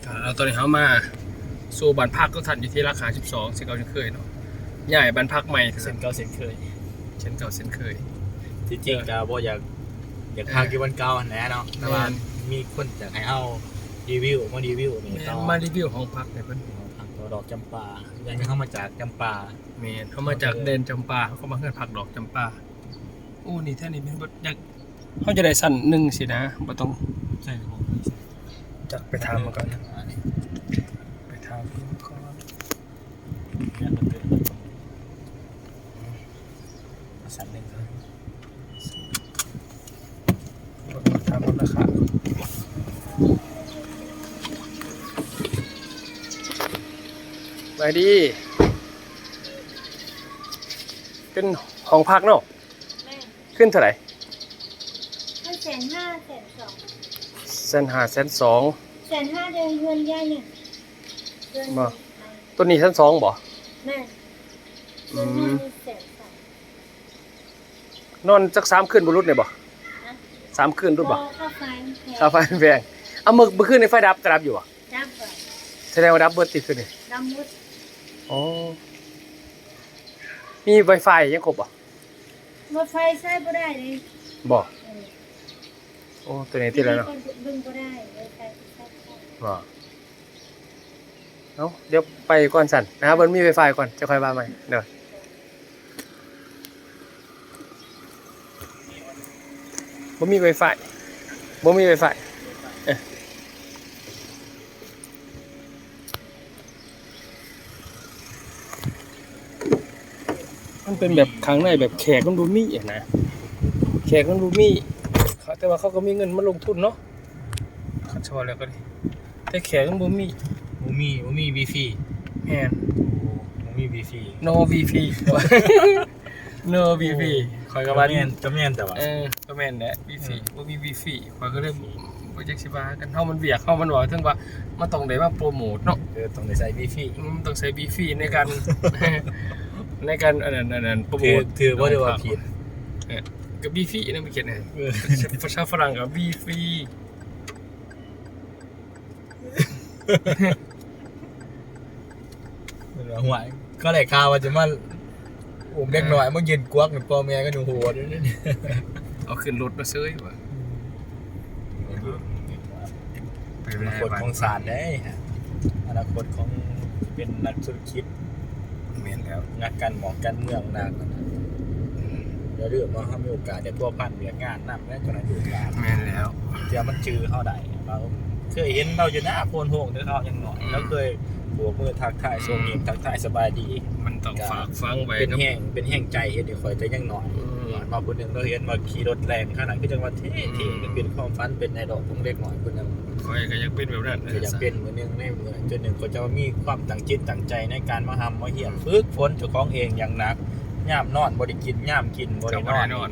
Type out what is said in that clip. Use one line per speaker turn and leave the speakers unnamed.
เราตอนนี้เขามาสู่บ้านพักก็ทันอยู่ที่ราคา12เช่นเก่าเช่นเคยเนาะใหญ่บ้านพักใหม่
เส้นเก่าเส้นเคย
เช่นเก่าเช่นเคย
ที่จริงก็บ่อยากพากี่วันเก่าแน่เนาะแต่ว่ามีคนอยากให้เอารีวิวมารีวิวนี่ต่อ
มารีวิวห้องพักในเพิ่น
ทางตัวดอกจำปายังเข้ามาจากจำปา
เมนเขามาจากเดนจำปาเขาก็มาเฮือนพักดอกจำปาโอ้นี่แท่นี้เป็นบ่อยากเขาจะได้สั่นหนึ่งสินะบ่ต้อง
ใช่ครับ
จักไปถามมาก่อนไปถามก่อน
สั่นหนึ่ง
ถามราคาไปดีเป็นห้องพักเนาะ
แม่
ขึ้นเท่าไหร่
ให้1,500,000
1,500,000 1,200,000
1,500,000เดือนเงินย่าเนี่ยเดือน
บ่ ตัวนี้1,200,000บ่
แม่เดือนหน้ามี1,200,000
นอนจัก3คืนบ่รุดเนี่ยบ่3คืนรุดบ่
ค่าไฟแพง
ค่าไฟแพงเอาเมื่อคืนในไฟดับกระดับอยู่บ่
ดับก่อน
แสดงว่าดับเบิดติดคืนนี่
ดำมุด
อ๋อมี Wi-Fi ยังครบบ่
รถไฟใช้บ่ได้เลย
บ่
เออ
โอ้ตัวนี้ติดแล้วเนาะ
บึงบ่ได้รถไฟใช้บ่ได้
บ่เอ้าเดี๋ยวไปก่อนสั่นนะครับเบิ่นมี Wi-Fi ก่อนจะค่อยว่าใหม่เด้อบ่มี Wi-Fi บ่มี Wi-Fi เอ้อมันเป็นแบบข้างในแบบแขกมันดูมีอ่ะนะแขกมันดูมีแต่ว่าเขาก็มีเงินมาลงทุนเนาะเขาชอบแล้วก็ดิแต่แขกมันบ่มี
มีวีฟี
แม่น
มีวีฟี
no VP no VP คอยกับว่า
ก็แม่นแต่ว่า
ก็แม่นแหละ VP บ่มี VP คอยก็เลยบ่จักสิว่ากันเฮามันเวียกเฮามันว่าถึงว่ามันต้องได้มาโปรโมทเนาะ
ต้องได้ใส่วีฟี
มันต้องใช้ VP ในการ ในการอันนั้นโปรโมท
ถือว่าได้ว่าผิด
กับ VP นั่นมันเขียนไงภาษาฝรั่งกับ VP
หัวก็ได้ข่าวว่าจะมาอุ้มเด็กหน่อยมายืนกวักพ่อแม่ก็ดูโหดด้วยนี่
เอาขึ้นรถมาซื้อว่ะไป
อ
แล้
นาคตของศาสตร์ได้ฮะอนาคตของเป็นนักธุรกิจ
แม่นแล้ว
นักการหมองการเมืองนักเดี๋ยวเรื่องมาเขามีโอกาสเดี๋ยวตัวพันเบียงานนำแล้วจนอายุการ
แม่นแล้ว
เดี๋ยวมันจือเข้าได้เราเคยเห็นเราอยู่หน้าโพนโฮงเด้อเขายังหน่อยแล้วเคยบวกมือทักทายทรงเงียบทักทายสบายดี
มันต้องฝากฟังไว้
เป็น
กับ
แห้งใจเห็นเดี๋ยวคอยจะยังหน่อยมาคนหนึ่งเราเห็นมาขี่รถแรงขนาดที่จังหวัดเท่ๆเป็นความฝันเป็นในดอกของเล็กหน่อยคนนึง
คอยก็อยากเป็นแบบนั้น
ก็อยากเป็นเหมือนนึงในเหมือนจนหนึ่งก็จะมีความตั้งจิตตั้งใจในการมาทำมาเหี่ยมฝึกฝนเจ้าของเองอย่างหนักย่ามนอนบริกินย่ามกินบริ
ก็บ่ได้นอน